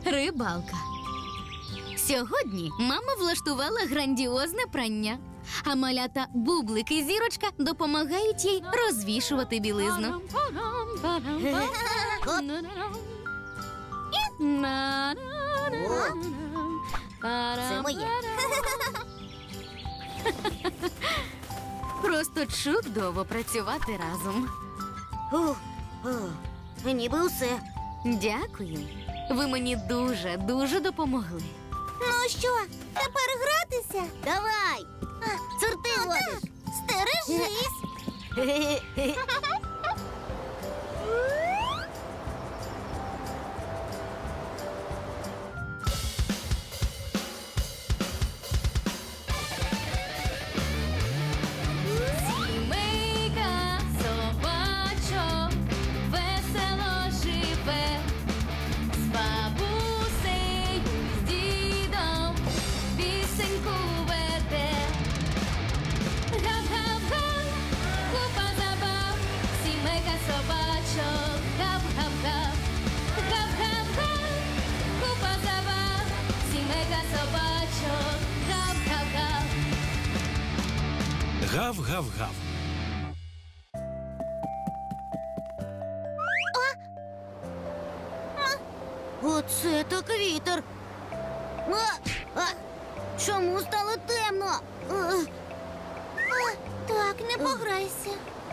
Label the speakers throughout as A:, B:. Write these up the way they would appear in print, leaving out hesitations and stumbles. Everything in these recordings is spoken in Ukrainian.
A: Рибалка. Сьогодні мама влаштувала грандіозне прання, а малята Бублик і Зірочка допомагають їй розвішувати білизну.
B: Це моє.
A: Просто чудово працювати разом.
B: Ніби усе.
A: Дякую. Ви мені дуже допомогли.
B: Ну що, тепер гратися? Давай. Сорти водиш. Стережись.
A: Сімейка собачок весело живе, з бабусею, з дідом пісеньку веде. Гап-гап-га, купа забав, сімейка собачок, гап-гап-га. Гап-гап-га, купа забав, сімейка собачок, гап-гап-га.
C: Гав-гав-гав.
B: Оце так вітер. Чому стало темно? Так, не пограйся.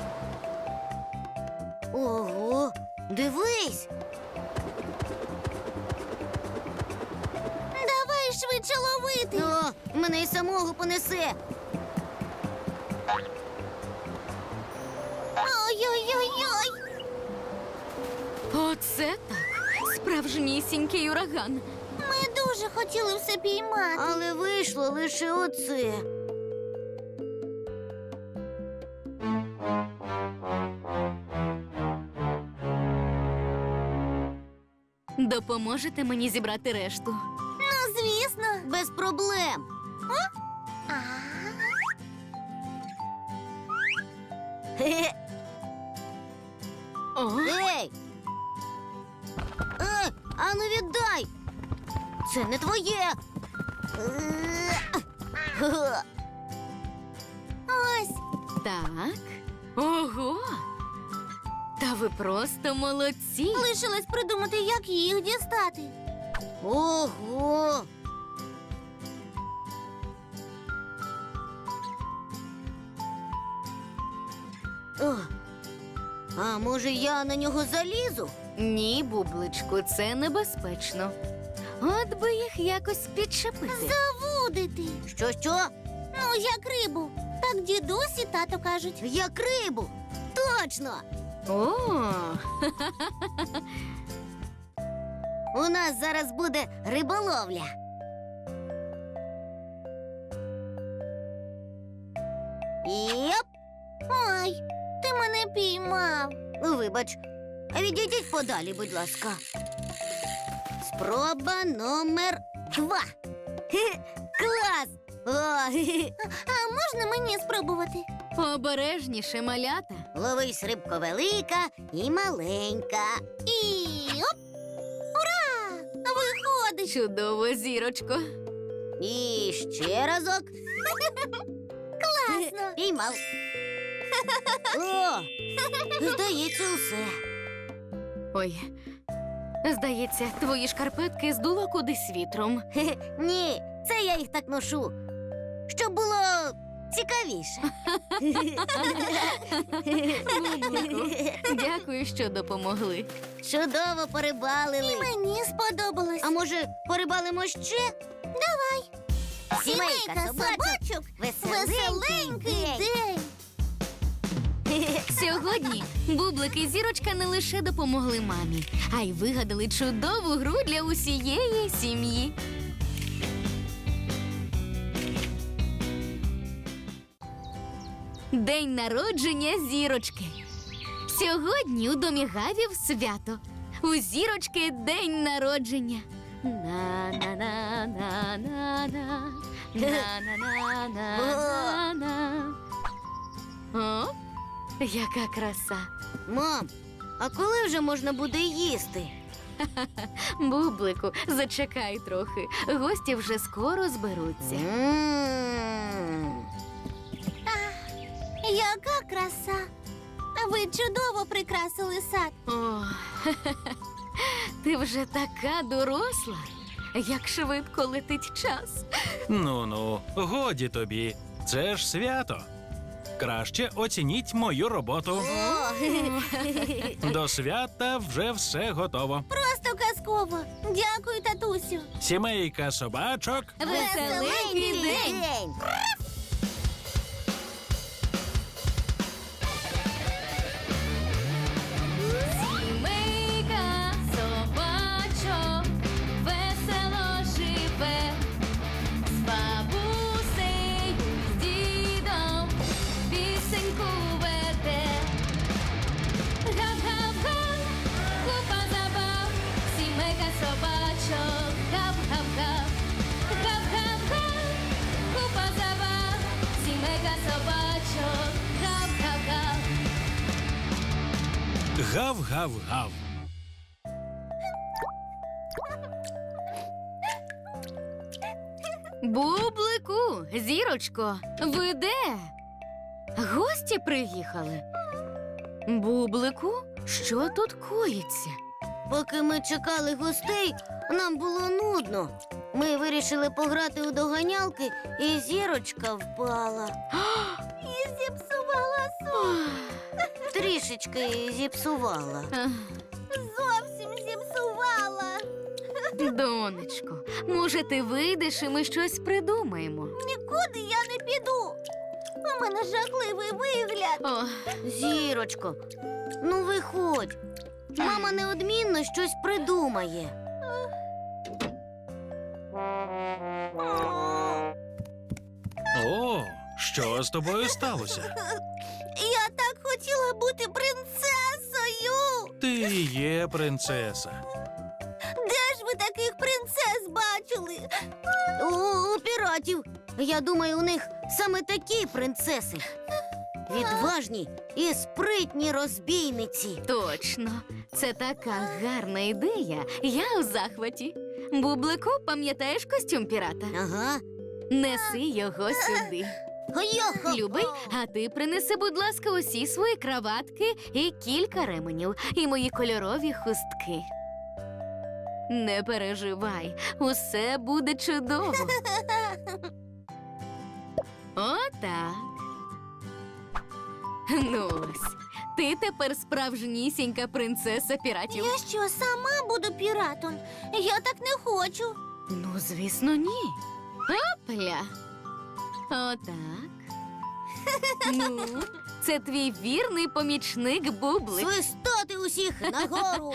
B: Ого, дивись. Давай швидше ловити. О, мене й самого понесе. Ой-ой-ой-ой.
A: Оце так. Справжнісінький ураган.
B: Ми дуже хотіли все піймати. Але вийшло лише оце.
A: Допоможете мені зібрати решту?
B: Ну, звісно. Без проблем.
A: О,
B: Ей! Ану віддай! Це не твоє! Ось!
A: так. Ого! Та ви просто молодці.
B: Лишилось придумати, як їх дістати. Ого! О, а може я на нього залізу?
A: Ні, Бубличку, це небезпечно. От би їх якось підчепити.
B: Завудити. Що? Ну, як рибу. Так дідусь і тато кажуть. Як рибу. Точно.
A: О,
B: У нас зараз буде риболовля. Йоп! Ой, ти мене піймав. Вибач, відійдіть подалі, будь ласка. Спроба номер 2. Клас! А можна мені спробувати?
A: обережніше, малята.
B: Ловись, рибко велика і маленька. І оп! Ура! Виходить!
A: Чудово, Зірочко.
B: І ще разок. Класно! Піймав. О! Здається, усе.
A: Ой, здається, твої шкарпетки здуло кудись вітром.
B: Ні, це я їх так ношу, щоб було цікавіше.
A: Бублику, дякую, що допомогли.
B: Чудово порибалили. І мені сподобалось. А може, порибалимо ще? Давай. Сімейка собачок. Веселенький день.
A: Сьогодні Бублик і Зірочка не лише допомогли мамі, а й вигадали чудову гру для усієї сім'ї. День народження Зірочки. Сьогодні у домі Гавів свято. У Зірочки день народження. На-на-на-на-на-на. На-на-на-на-на-на. О, яка краса.
B: Мам, а коли вже можна буде їсти?
A: Бублику, зачекай трохи. Гості вже скоро зберуться.
B: Яка краса! Ви чудово прикрасили сад.
A: О, ти вже така доросла. Як швидко летить час.
C: Ну-ну, годі тобі. Це ж свято. Краще оцініть мою роботу. До свята вже все готово.
B: Просто казково. Дякую, татусю.
C: Сімейка собачок.
A: Веселенький день! Сімейка собачок весело живе, з бабусею, з дідом пісеньку веде. Гап-гап-га, купа забав, сімейка собачок, гап-гап-га. Гап-гап-га, купа забав, сімейка собачок, гап-гап-га.
C: Гав-гав-гав.
A: Бублику, зірочко, ви де? Гості приїхали. Бублику, що тут коїться?
B: Поки ми чекали гостей, нам було нудно. Ми вирішили пограти у доганялки, і зірочка впала. І зіпсувала сон. Трішечки зіпсувала.
A: Ах,
B: Зовсім зіпсувала.
A: Донечко, може, ти вийдеш і ми щось придумаємо?
B: Нікуди я не піду. У мене жахливий вигляд.
A: О,
B: Зірочко, ну виходь. Мама неодмінно щось придумає.
C: О, що з тобою сталося?
B: Я так хотіла бути принцесою.
C: Ти є принцеса.
B: Де ж ви таких принцес бачили? У піратів. Я думаю, у них саме такі принцеси. Відважні і спритні розбійниці.
A: точно, це така гарна ідея. Я у захваті. Бублику, пам'ятаєш костюм пірата?
B: Ага.
A: Неси його сюди.
B: Йо-хо-хо.
A: Любий, а ти принеси, будь ласка, усі свої краватки і кілька ременів, і мої кольорові хустки. Не переживай, усе буде чудово. Отак. Ну ось, ти тепер справжнісінька принцеса піратів.
B: Я що, сама буду піратом? Я так не хочу.
A: Ну, звісно, ні. Опля. Отак. Ну, це твій вірний помічник Бублик.
B: Свистати усіх нагору.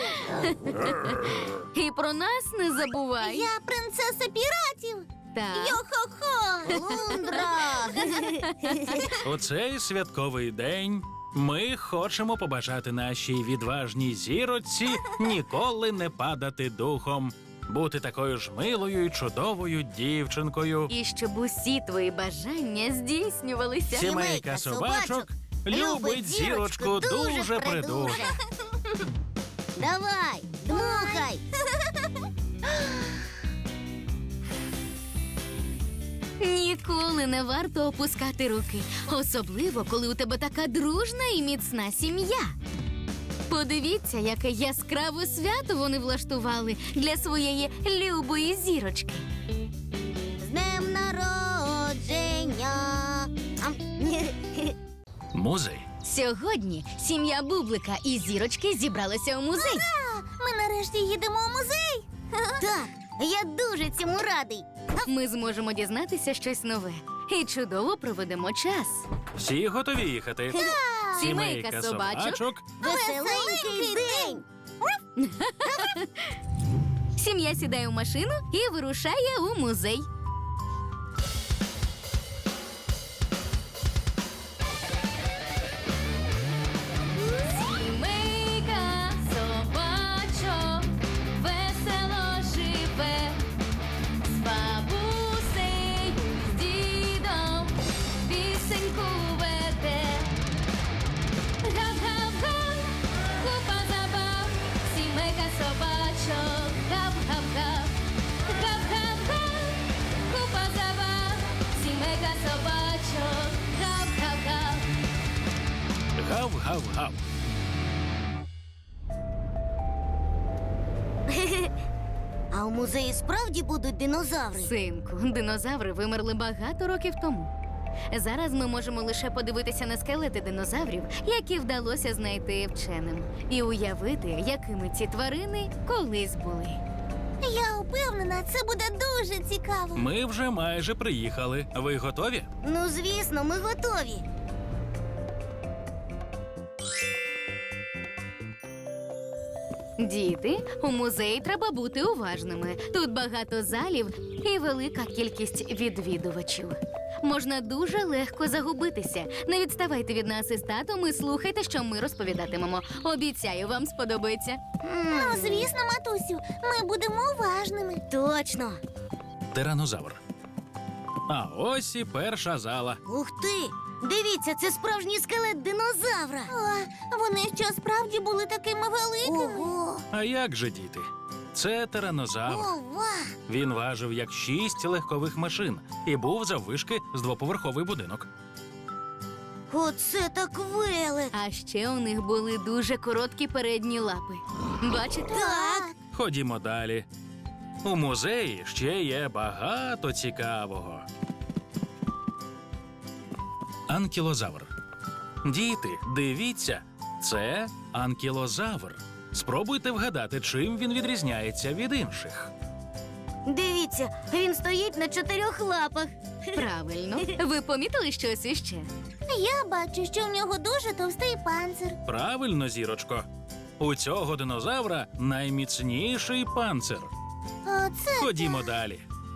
A: І про нас не забувай.
B: Я принцеса піратів.
A: Так.
B: Йо-хо-хо. Лундра.
C: У цей святковий день ми хочемо побажати нашій відважній зіроці ніколи не падати духом, бути такою ж милою і чудовою дівчинкою.
A: І щоб усі твої бажання здійснювалися.
C: Сімейка собачок любить зірочку дуже придуже.
B: Давай, дмухай.
A: Ніколи не варто опускати руки, особливо, коли у тебе така дружна і міцна сім'я. Подивіться, яке яскраве свято вони влаштували для своєї любої зірочки.
B: З днем народження.
C: Музей.
A: Сьогодні сім'я Бублика і зірочки зібралися у музей.
B: Ми нарешті їдемо у музей. Так, я дуже цьому радий.
A: Ми зможемо дізнатися щось нове і чудово проведемо час.
C: Всі готові їхати?
A: Сімейка собачок.
B: Веселенький день.
A: Сім'я сідає у машину і вирушає у музей. Сімейка собачок весело живе, з бабусею, з дідом пісеньку веде. Гап-гап-га, купа забав, сімейка собачок.
C: гав-гав.
B: А у музеї справді будуть динозаври?
A: Синку, динозаври вимерли багато років тому. Зараз ми можемо лише подивитися на скелети динозаврів, які вдалося знайти вченим, і уявити, якими ці тварини колись були.
B: Я упевнена, це буде дуже цікаво.
C: Ми вже майже приїхали. Ви готові?
B: Ну, звісно, ми готові.
A: Діти, у музеї треба бути уважними. Тут багато залів і велика кількість відвідувачів. Можна дуже легко загубитися. Не відставайте від нас із татом і слухайте, що ми розповідатимемо. Обіцяю, вам сподобається.
B: Ну, звісно, матусю, ми будемо уважними. Точно.
C: Тиранозавр. А ось і перша зала.
B: Ух ти! Дивіться, це справжній скелет динозавра. Вони що, справді були такими великими? Ого!
C: А як же, діти? Це тиранозавр.
B: Ова!
C: Він важив як 6 легкових машин і був заввишки з двоповерховий будинок.
B: Оце так велик!
A: А ще у них були дуже короткі передні лапи. Бачите?
B: Так!
C: Ходімо далі. У музеї ще є багато цікавого. Анкілозавр. Діти, дивіться, це анкілозавр. Спробуйте вгадати, чим він відрізняється від інших.
B: Дивіться, він стоїть на 4 лапах.
A: Правильно. Ви помітили щось іще?
B: Я бачу, що в нього дуже товстий панцир.
C: Правильно, зірочко. У цього динозавра найміцніший панцир.
B: Оце
C: Ходімо далі.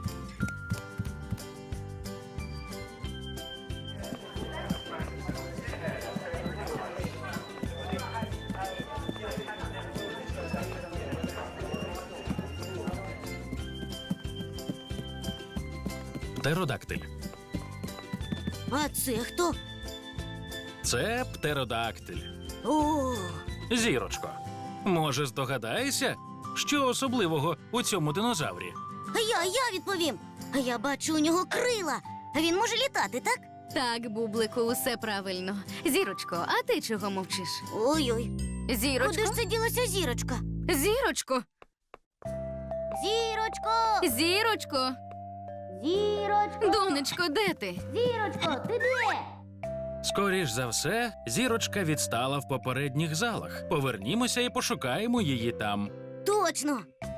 C: Птеродактиль.
B: А це хто?
C: Це птеродактиль.
B: О,
C: Зірочко, може, здогадаєшся, що особливого у цьому динозаврі?
B: я відповім. Я бачу у нього крила. Він може літати, так?
A: Так, Бублику, усе правильно. Зірочко, а ти чого мовчиш?
B: Ой-ой.
A: Зірочко?
B: Куди ж це ділася зірочка?
A: Зірочко?
B: Зірочко!
A: Зірочко?
B: Зірочко!
A: Донечко, де ти?
B: Зірочко, ти де?
C: Скоріш за все, зірочка відстала в попередніх залах. Повернімося і пошукаємо її там.
B: Точно!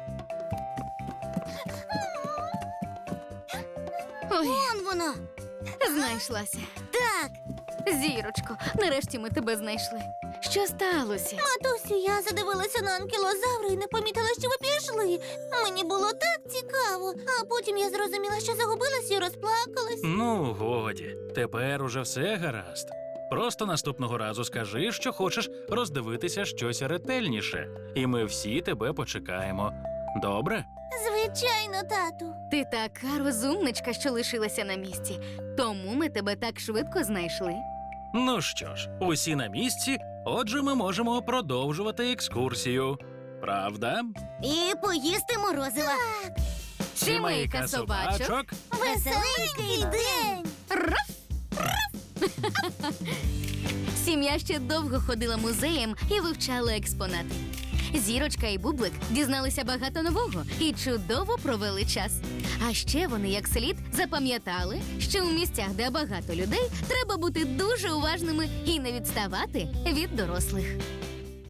A: Ой,
B: Вон вона!
A: знайшлася.
B: Так!
A: Зірочко, нарешті ми тебе знайшли. Що сталося?
B: Матусю, я задивилася на анкілозавра і не помітила, що ви пішли. Мені було так цікаво. А потім я зрозуміла, що загубилась і розплакалась.
C: Ну, годі, тепер уже все гаразд. Просто наступного разу скажи, що хочеш роздивитися щось ретельніше, і ми всі тебе почекаємо. Добре?
B: Звичайно, тату.
A: Ти така розумничка, що лишилася на місці. Тому ми тебе так швидко знайшли.
C: Ну що ж, усі на місці, отже, ми можемо продовжувати екскурсію. Правда?
B: І поїсти морозива.
A: Сімейка собачок.
B: Веселенький день.
A: Сім'я ще довго ходила музеєм і вивчала експонати. Зірочка і Бублик дізналися багато нового і чудово провели час. А ще вони як слід запам'ятали, що у місцях, де багато людей, треба бути дуже уважними і не відставати від дорослих.